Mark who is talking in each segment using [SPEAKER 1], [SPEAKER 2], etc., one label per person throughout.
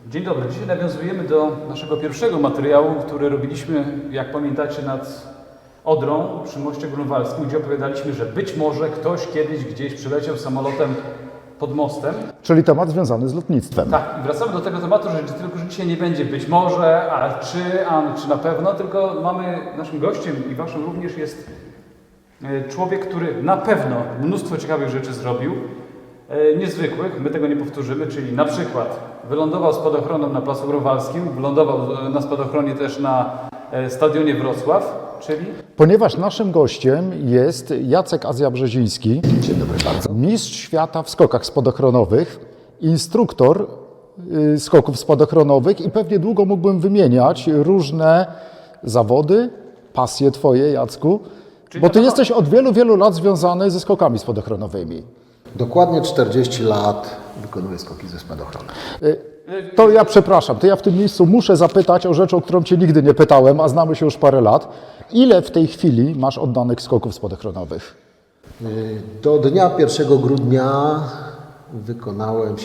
[SPEAKER 1] Dzień dobry. Dzisiaj nawiązujemy do naszego pierwszego materiału, który robiliśmy, jak pamiętacie, nad Odrą przy moście grunwaldzkim, gdzie opowiadaliśmy, że być może ktoś kiedyś gdzieś przyleciał samolotem pod mostem.
[SPEAKER 2] Czyli temat związany z lotnictwem.
[SPEAKER 1] Tak, i wracamy do tego tematu, że tylko że dzisiaj nie będzie być może, czy na pewno, tylko mamy naszym gościem i waszym również jest człowiek, który na pewno mnóstwo ciekawych rzeczy zrobił. Niezwykłych, my tego nie powtórzymy, czyli na przykład wylądował spadochronem na Placu Grunwaldzkim, wylądował na spadochronie też na stadionie Wrocław, czyli...
[SPEAKER 2] Ponieważ naszym gościem jest Jacek Azja-Brzeziński,
[SPEAKER 3] Dzień dobry bardzo.
[SPEAKER 2] mistrz świata w skokach spadochronowych, instruktor skoków spadochronowych i pewnie długo mógłbym wymieniać różne zawody, pasje twoje, Jacku, bo ty jesteś od wielu, wielu lat związany ze skokami spadochronowymi.
[SPEAKER 3] Dokładnie 40 lat wykonuję skoki ze spadochronu.
[SPEAKER 2] To ja przepraszam, to ja w tym miejscu muszę zapytać o rzecz, o którą cię nigdy nie pytałem, a znamy się już parę lat. Ile w tej chwili masz oddanych skoków spadochronowych?
[SPEAKER 3] Do dnia 1 grudnia wykonałem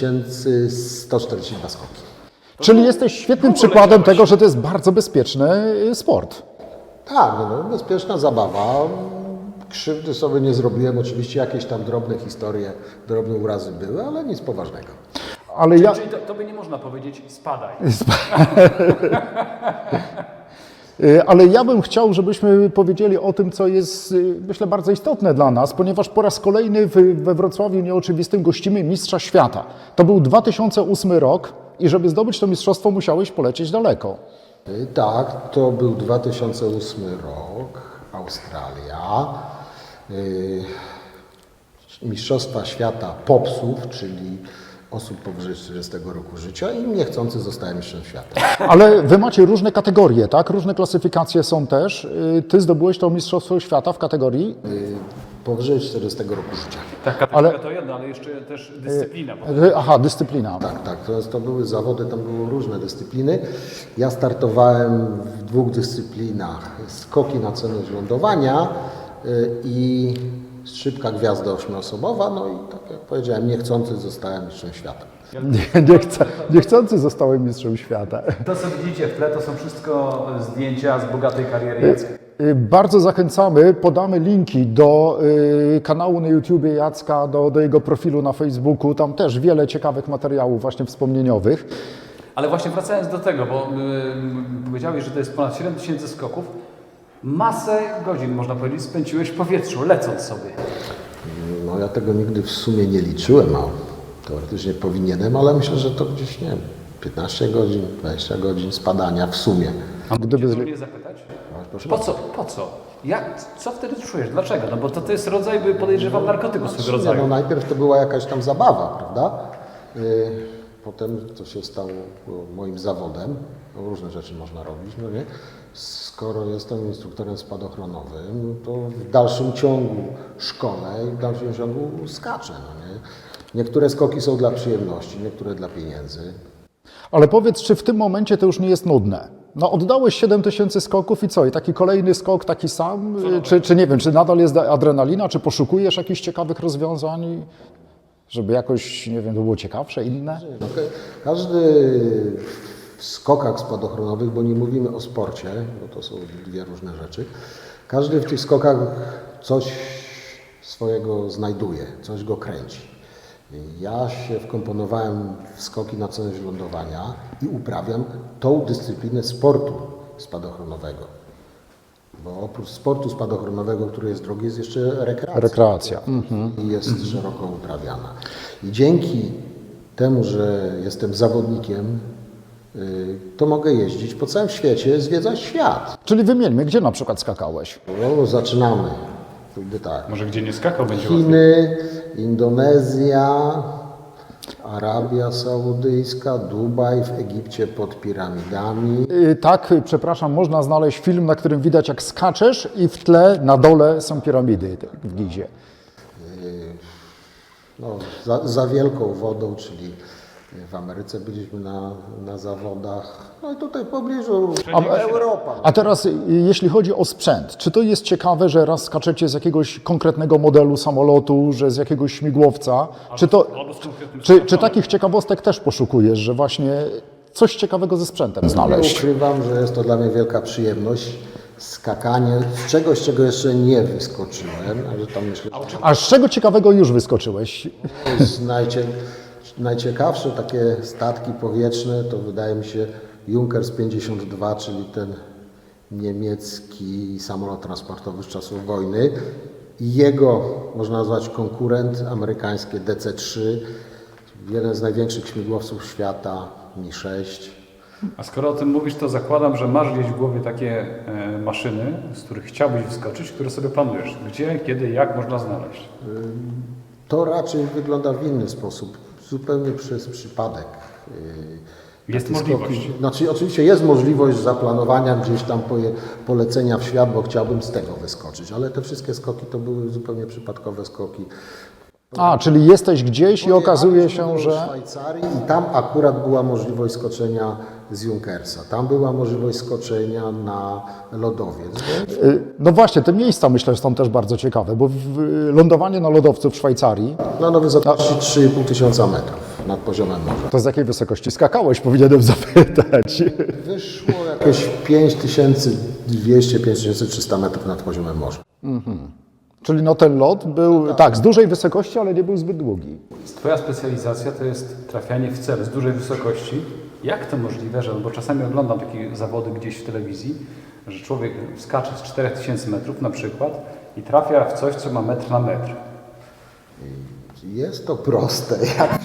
[SPEAKER 3] 7142 skoki.
[SPEAKER 2] Czyli jesteś świetnym przykładem tego, że to jest bardzo bezpieczny sport.
[SPEAKER 3] Tak, no, bezpieczna zabawa. Krzywdy sobie nie zrobiłem. Oczywiście jakieś tam drobne historie, drobne urazy były, ale nic poważnego.
[SPEAKER 2] Ale ja...
[SPEAKER 1] Czyli tobie nie można powiedzieć spadaj.
[SPEAKER 2] Ale ja bym chciał, żebyśmy powiedzieli o tym, co jest, myślę, bardzo istotne dla nas, ponieważ po raz kolejny we Wrocławiu Nieoczywistym gościmy Mistrza Świata. To był 2008 rok i żeby zdobyć to mistrzostwo, musiałeś polecieć daleko.
[SPEAKER 3] Tak, to był 2008 rok, Australia. Mistrzostwa Świata popsów, czyli osób powyżej 40 roku życia i niechcący zostałem mistrzem świata.
[SPEAKER 2] Ale wy macie różne kategorie, tak? Różne klasyfikacje są też. Ty zdobyłeś to Mistrzostwo Świata w kategorii?
[SPEAKER 3] Powyżej 40 roku życia.
[SPEAKER 1] Tak, kategoria to jedno, ale jeszcze też dyscyplina.
[SPEAKER 2] Aha, dyscyplina.
[SPEAKER 3] Tak, to były zawody, tam były różne dyscypliny. Ja startowałem w 2 dyscyplinach. Skoki na cenność lądowania i szybka gwiazda 8-osobowa. No i tak jak powiedziałem, niechcący zostałem mistrzem świata.
[SPEAKER 2] Niechcący zostałem mistrzem świata.
[SPEAKER 1] To, co widzicie w tle, to są wszystko zdjęcia z bogatej kariery Jacka.
[SPEAKER 2] Bardzo zachęcamy, podamy linki do kanału na YouTubie Jacka, do jego profilu na Facebooku. Tam też wiele ciekawych materiałów właśnie wspomnieniowych.
[SPEAKER 1] Ale właśnie wracając do tego, bo powiedziałeś, że to jest ponad 7000 skoków. Masę godzin, można powiedzieć, spędziłeś w powietrzu, lecąc sobie.
[SPEAKER 3] No ja tego nigdy w sumie nie liczyłem, a teoretycznie powinienem, ale myślę, że to gdzieś, nie wiem, 15 godzin, 20 godzin spadania w sumie.
[SPEAKER 2] A gdyby
[SPEAKER 1] Mnie zapytać?
[SPEAKER 3] Proszę
[SPEAKER 1] Po co? Po co? Co wtedy czujesz? Dlaczego? No bo to jest rodzaj, podejrzewam, narkotyku swego rodzaju.
[SPEAKER 3] No najpierw to była jakaś tam zabawa, prawda? Potem to się stało moim zawodem. No, różne rzeczy można robić, no nie? Skoro jestem instruktorem spadochronowym, to w dalszym ciągu szkolę i w dalszym ciągu skaczę, no nie? Niektóre skoki są dla przyjemności, niektóre dla pieniędzy.
[SPEAKER 2] Ale powiedz, czy w tym momencie to już nie jest nudne? No oddałeś 7000 skoków i co? I taki kolejny skok taki sam? Czy nie wiem, czy nadal jest adrenalina? Czy poszukujesz jakichś ciekawych rozwiązań, żeby jakoś, nie wiem, to było ciekawsze, inne?
[SPEAKER 3] No, każdy w skokach spadochronowych, bo nie mówimy o sporcie, bo to są dwie różne rzeczy, każdy w tych skokach coś swojego znajduje, coś go kręci. Ja się wkomponowałem w skoki na cenność lądowania i uprawiam tą dyscyplinę sportu spadochronowego. Bo oprócz sportu spadochronowego, który jest drogi, jest jeszcze rekreacja. I jest szeroko uprawiana. I dzięki temu, że jestem zawodnikiem, to mogę jeździć po całym świecie, zwiedzać świat.
[SPEAKER 2] Czyli wymieńmy, gdzie na przykład skakałeś?
[SPEAKER 3] No, zaczynamy. Wtedy tak.
[SPEAKER 1] Może gdzie nie skakał będzie łatwiej.
[SPEAKER 3] Chiny, Indonezja, Arabia Saudyjska, Dubaj, w Egipcie pod piramidami.
[SPEAKER 2] Tak, przepraszam, można znaleźć film, na którym widać jak skaczesz i w tle na dole są piramidy w Gizie.
[SPEAKER 3] No, za wielką wodą, czyli W Ameryce byliśmy na zawodach, no i tutaj w pobliżu Europa.
[SPEAKER 2] A teraz, jeśli chodzi o sprzęt, czy to jest ciekawe, że raz skaczecie z jakiegoś konkretnego modelu samolotu, że z jakiegoś śmigłowca? Czy takich ciekawostek też poszukujesz, że właśnie coś ciekawego ze sprzętem
[SPEAKER 3] Nie
[SPEAKER 2] znaleźć?
[SPEAKER 3] ukrywam, że jest to dla mnie wielka przyjemność. Skakanie z czegoś, czego jeszcze nie wyskoczyłem, ale tam myślę, że
[SPEAKER 2] A z czego ciekawego już wyskoczyłeś?
[SPEAKER 3] to jest najciekawsze takie statki powietrzne, to wydaje mi się Junkers 52, czyli ten niemiecki samolot transportowy z czasów wojny. I jego, można nazwać, konkurent amerykańskie DC-3, jeden z największych śmigłowców świata, Mi-6.
[SPEAKER 1] A skoro o tym mówisz, to zakładam, że masz gdzieś w głowie takie maszyny, z których chciałbyś wyskoczyć, które sobie planujesz. Gdzie, kiedy, jak można znaleźć?
[SPEAKER 3] To raczej wygląda w inny sposób, zupełnie przez przypadek.
[SPEAKER 1] Jest
[SPEAKER 3] Takie
[SPEAKER 1] możliwość.
[SPEAKER 3] skoki. Znaczy, oczywiście jest możliwość zaplanowania gdzieś tam polecenia w świat, bo chciałbym z tego wyskoczyć, ale te wszystkie skoki to były zupełnie przypadkowe skoki.
[SPEAKER 2] A, czyli jesteś gdzieś i okazuje się,
[SPEAKER 3] Pojechaliśmy do
[SPEAKER 2] że...
[SPEAKER 3] Szwajcarii i tam akurat była możliwość skoczenia z Junkersa. Tam była możliwość skoczenia na lodowiec. Więc
[SPEAKER 2] No właśnie, te miejsca myślę, że są też bardzo ciekawe, bo lądowanie na lodowcu w Szwajcarii,
[SPEAKER 3] na wysokości 3,5 tysiąca metrów nad poziomem morza.
[SPEAKER 2] to z jakiej wysokości skakałeś, powinienem zapytać.
[SPEAKER 3] Wyszło jakieś 5200-5300 metrów nad poziomem morza.
[SPEAKER 2] Czyli no ten lot był, tak, z dużej wysokości, ale nie był zbyt długi.
[SPEAKER 1] Twoja specjalizacja to jest trafianie w cel z dużej wysokości. Jak to możliwe, że, bo czasami oglądam takie zawody gdzieś w telewizji, że człowiek skacze z 4000 metrów na przykład i trafia w coś, co ma metr na metr.
[SPEAKER 3] Jest to proste, jak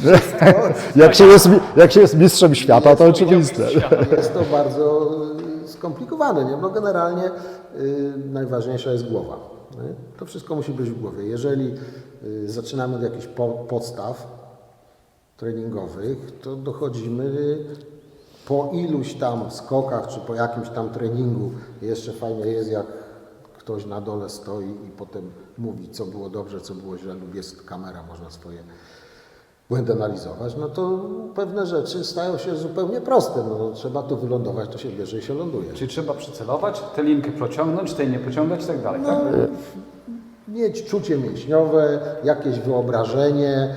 [SPEAKER 2] Jak się jest mistrzem świata, to oczywiste.
[SPEAKER 3] jest to bardzo skomplikowane. Nie? No generalnie najważniejsza jest głowa. Nie? To wszystko musi być w głowie. Jeżeli zaczynamy od jakichś podstaw treningowych, to dochodzimy po iluś tam skokach, czy po jakimś tam treningu. Jeszcze fajnie jest, jak ktoś na dole stoi i potem mówi, co było dobrze, co było źle, lub jest kamera, można swoje błędy analizować, no to pewne rzeczy stają się zupełnie proste. No, trzeba tu wylądować, to się bierze i się ląduje.
[SPEAKER 1] Czyli trzeba przycelować, tę linkę pociągnąć, tej nie pociągać i tak dalej. Tak?
[SPEAKER 3] Mieć czucie mięśniowe, jakieś wyobrażenie,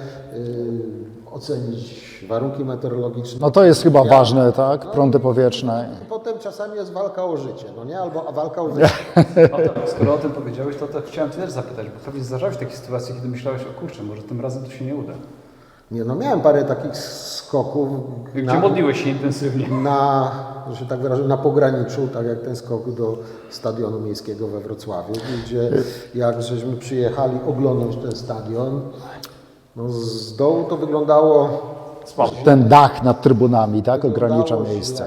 [SPEAKER 3] ocenić warunki meteorologiczne.
[SPEAKER 2] No to jest chyba ważne, tak? Prądy powietrzne.
[SPEAKER 3] Potem czasami jest walka o życie, no nie? Albo walka o życie.
[SPEAKER 1] No to, skoro o tym powiedziałeś, to chciałem Cię też zapytać, bo pewnie zdarzały się takie sytuacje, kiedy myślałeś, o kurczę, może tym razem to się nie uda.
[SPEAKER 3] Nie, no miałem parę takich skoków.
[SPEAKER 1] Gdzie modliłeś się intensywnie.
[SPEAKER 3] Że się tak wyrażę, na pograniczu, tak jak ten skok do stadionu miejskiego we Wrocławiu, gdzie jak żeśmy przyjechali oglądać ten stadion, no z dołu to wyglądało
[SPEAKER 2] Ten dach nad trybunami, tak? Ogranicza
[SPEAKER 3] wyglądało
[SPEAKER 2] miejsce.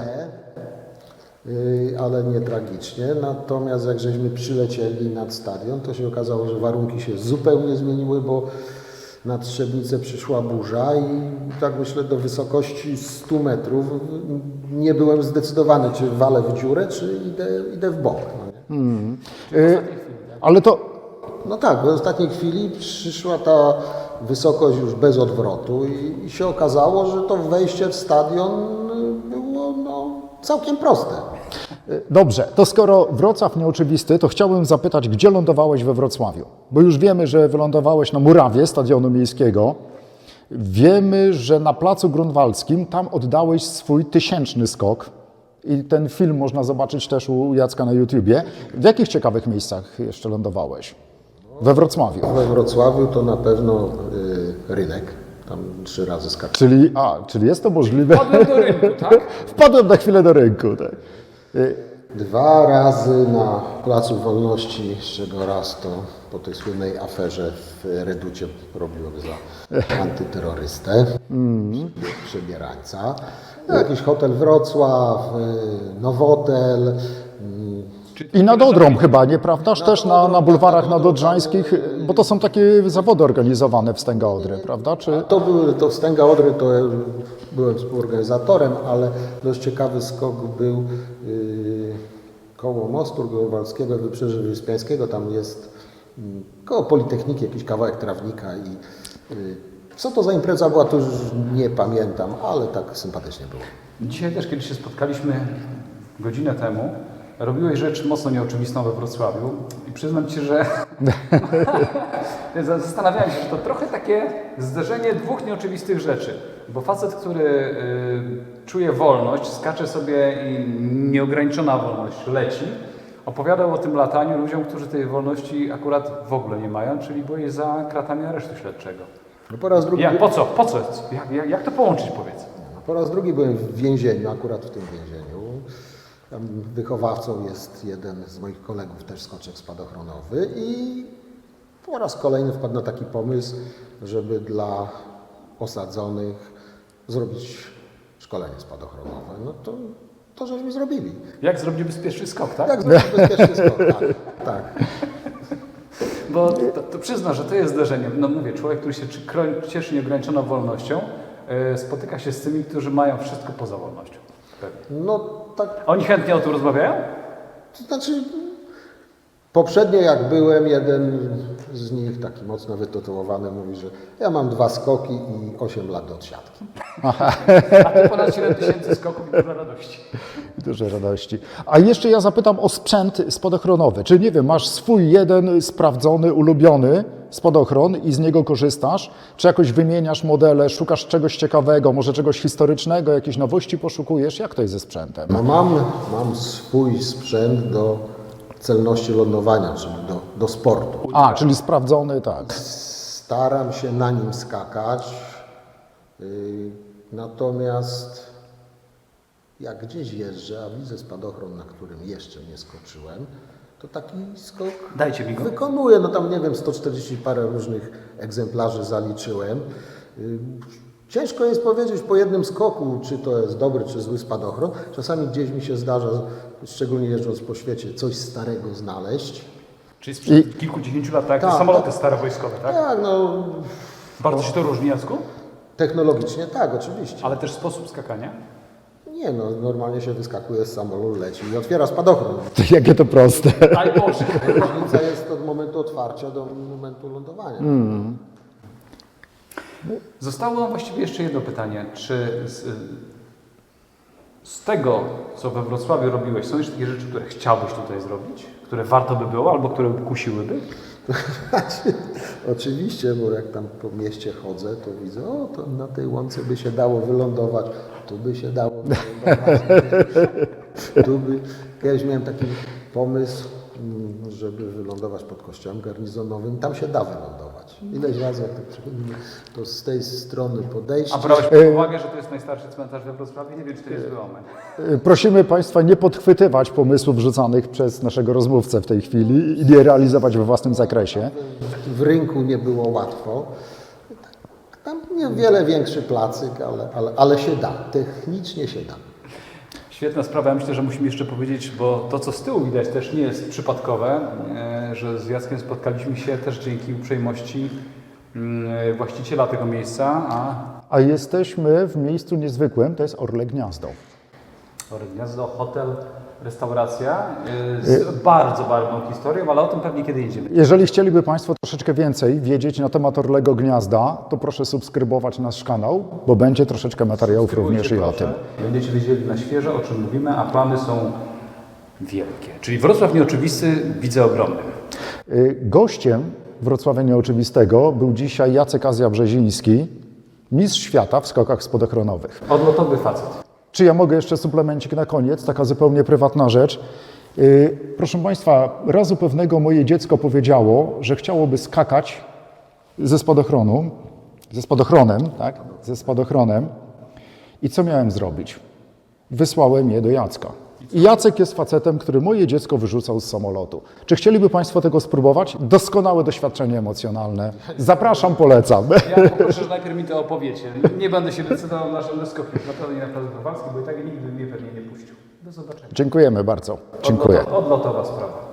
[SPEAKER 3] źle, ale nie tragicznie. Natomiast jak żeśmy przylecieli nad stadion, to się okazało, że warunki się zupełnie zmieniły, bo na Trzebnicę przyszła burza i tak myślę do wysokości 100 metrów nie byłem zdecydowany, czy walę w dziurę, czy idę w bok. No, nie?
[SPEAKER 2] Ale to
[SPEAKER 3] No tak, w ostatniej chwili przyszła ta wysokość już bez odwrotu i się okazało, że to wejście w stadion było całkiem proste.
[SPEAKER 2] dobrze, to skoro Wrocław nieoczywisty, to chciałbym zapytać, gdzie lądowałeś we Wrocławiu? Bo już wiemy, że wylądowałeś na murawie stadionu miejskiego. Wiemy, że na Placu Grunwaldzkim tam oddałeś swój 1000 skok. I ten film można zobaczyć też u Jacka na YouTubie. W jakich ciekawych miejscach jeszcze lądowałeś? We Wrocławiu.
[SPEAKER 3] We Wrocławiu to na pewno rynek, tam 3 razy skaczyłem.
[SPEAKER 2] Czyli jest to możliwe.
[SPEAKER 1] Wpadłem do rynku, tak?
[SPEAKER 2] Wpadłem na chwilę do rynku. Tak.
[SPEAKER 3] 2 razy na Placu Wolności, z czego raz to po tej słynnej aferze w Reducie robiłem za antyterrorystę, przebierańca. Jakiś hotel Wrocław, Nowotel.
[SPEAKER 2] I nad Odrą chyba, nieprawdaż? Też na bulwarach nadodrzańskich, bo to są takie zawody organizowane w Stęga Odry, prawda? Czy...
[SPEAKER 3] To Stęga Odry to ja byłem współorganizatorem, ale dość ciekawy skok był koło mostu Grunwaldzkiego, Wybrzeże Wyspiańskiego. Tam jest koło Politechniki jakiś kawałek trawnika i Co to za impreza była, to już nie pamiętam, ale tak sympatycznie było.
[SPEAKER 1] Dzisiaj też, kiedy się spotkaliśmy godzinę temu, robiłeś rzecz mocno nieoczywistą we Wrocławiu i przyznam Ci, że zastanawiałem się, że to trochę takie zderzenie dwóch nieoczywistych rzeczy. Bo facet, który czuje wolność, skacze sobie i nieograniczona wolność leci, opowiadał o tym lataniu ludziom, którzy tej wolności akurat w ogóle nie mają, czyli byłeś za kratami aresztu śledczego.
[SPEAKER 3] No po raz drugi,
[SPEAKER 1] Po co? Po co? Jak to połączyć, powiedz?
[SPEAKER 3] po raz drugi byłem w więzieniu, akurat w tym więzieniu. Tam wychowawcą jest jeden z moich kolegów, też skoczek spadochronowy i po raz kolejny wpadł na taki pomysł, żeby dla osadzonych zrobić szkolenie spadochronowe. No to żeśmy zrobili.
[SPEAKER 1] Jak zrobić bezpieczny skok, tak?
[SPEAKER 3] Jak zrobić bezpieczny skok, tak.
[SPEAKER 1] Bo to przyzna, że to jest zderzenie. No mówię, człowiek, który się cieszy nieograniczoną wolnością, spotyka się z tymi, którzy mają wszystko poza wolnością. Pewnie.
[SPEAKER 3] No tak,
[SPEAKER 1] Oni chętnie o tym rozmawiają?
[SPEAKER 3] to znaczy poprzednio jak byłem, jeden z nich, taki mocno wytytułowany, mówi, że ja mam 2 skoki i 8 lat od siatki.
[SPEAKER 1] A ty ponad 7000 skoków i dużo radości.
[SPEAKER 2] Duże radości. A jeszcze ja zapytam o sprzęt spadochronowy. Czy nie wiem, masz swój jeden sprawdzony, ulubiony spadochron i z niego korzystasz? Czy jakoś wymieniasz modele, szukasz czegoś ciekawego, może czegoś historycznego, jakiejś nowości poszukujesz? Jak to jest ze sprzętem?
[SPEAKER 3] No mam swój sprzęt do celności lądowania, czyli do sportu.
[SPEAKER 2] A, czyli sprawdzony, tak.
[SPEAKER 3] Staram się na nim skakać, natomiast jak gdzieś jeżdżę, a widzę spadochron, na którym jeszcze nie skoczyłem, to taki skok
[SPEAKER 1] Dajcie mi go.
[SPEAKER 3] wykonuję. No tam nie wiem, 140 parę różnych egzemplarzy zaliczyłem. Ciężko jest powiedzieć po jednym skoku, czy to jest dobry, czy zły spadochron. Czasami gdzieś mi się zdarza, szczególnie jeżdżąc po świecie, coś starego znaleźć.
[SPEAKER 1] Czyli sprzed kilkudziesięciu lat, tak?
[SPEAKER 3] Tak,
[SPEAKER 1] Samoloty
[SPEAKER 3] tak.
[SPEAKER 1] stare wojskowe, tak?
[SPEAKER 3] Tak, no
[SPEAKER 1] Bardzo się to różni, Jacku?
[SPEAKER 3] technologicznie tak, oczywiście.
[SPEAKER 1] Ale też sposób skakania?
[SPEAKER 3] Nie no, normalnie się wyskakuje z samolotu, leci i otwiera spadochron.
[SPEAKER 2] Jakie to proste.
[SPEAKER 1] Aj Boże!
[SPEAKER 3] Różnica jest od momentu otwarcia do momentu lądowania.
[SPEAKER 1] Zostało nam właściwie jeszcze jedno pytanie. Czy z tego, co we Wrocławiu robiłeś, są jeszcze takie rzeczy, które chciałbyś tutaj zrobić? Które warto by było, albo które kusiłyby?
[SPEAKER 3] Oczywiście, bo jak tam po mieście chodzę, to widzę, o, to na tej łące by się dało wylądować, tu by się dało wylądować, tu by... Kiedyś miałem taki pomysł, żeby wylądować pod kościołem garnizonowym, tam się da wylądować. Ileś razy jak tak przychodzimy, to z tej strony podejście...
[SPEAKER 1] A brałeś pod uwagę, że to jest najstarszy cmentarz we Wrocławiu? Nie wiem, czy to jest zły omen.
[SPEAKER 2] Prosimy Państwa nie podchwytywać pomysłów rzucanych przez naszego rozmówcę w tej chwili i nie realizować we własnym zakresie.
[SPEAKER 3] W rynku nie było łatwo. Tam niewiele większy placyk, ale się da. Technicznie się da.
[SPEAKER 1] Świetna sprawa. Ja myślę, że musimy jeszcze powiedzieć, bo to, co z tyłu widać, też nie jest przypadkowe, że z Jackiem spotkaliśmy się też dzięki uprzejmości właściciela tego miejsca,
[SPEAKER 2] A jesteśmy w miejscu niezwykłym, to jest Orle Gniazdo.
[SPEAKER 1] Gniazdo, hotel, restauracja z bardzo barwną historią, ale o tym pewnie kiedy indziej.
[SPEAKER 2] Jeżeli chcieliby Państwo troszeczkę więcej wiedzieć na temat Orlego Gniazda, to proszę subskrybować nasz kanał, bo będzie troszeczkę materiałów również i o tym.
[SPEAKER 1] Będziecie wiedzieli na świeżo, o czym mówimy, a plany są wielkie. Czyli Wrocław Nieoczywisty widzę ogromny.
[SPEAKER 2] Gościem Wrocławia Nieoczywistego był dzisiaj Jacek Azja-Brzeziński, mistrz świata w skokach spadochronowych.
[SPEAKER 1] Odlotowy facet.
[SPEAKER 2] Czy ja mogę jeszcze suplemencik na koniec? Taka zupełnie prywatna rzecz. Proszę Państwa, razu pewnego moje dziecko powiedziało, że chciałoby skakać ze spadochronem, tak? Ze spadochronem. I co miałem zrobić? Wysłałem je do Jacka. I Jacek jest facetem, który moje dziecko wyrzucał z samolotu. Czy chcieliby Państwo tego spróbować? Doskonałe doświadczenie emocjonalne. Zapraszam, polecam.
[SPEAKER 1] Ja poproszę, że najpierw mi to opowiecie. Nie będę się decydował na żadne skoki. Naprawdę nie na placu Kowalski, bo i tak nigdy mnie pewnie nie puścił. Do zobaczenia.
[SPEAKER 2] Dziękujemy bardzo. Dziękuję.
[SPEAKER 1] Odlotowa sprawa.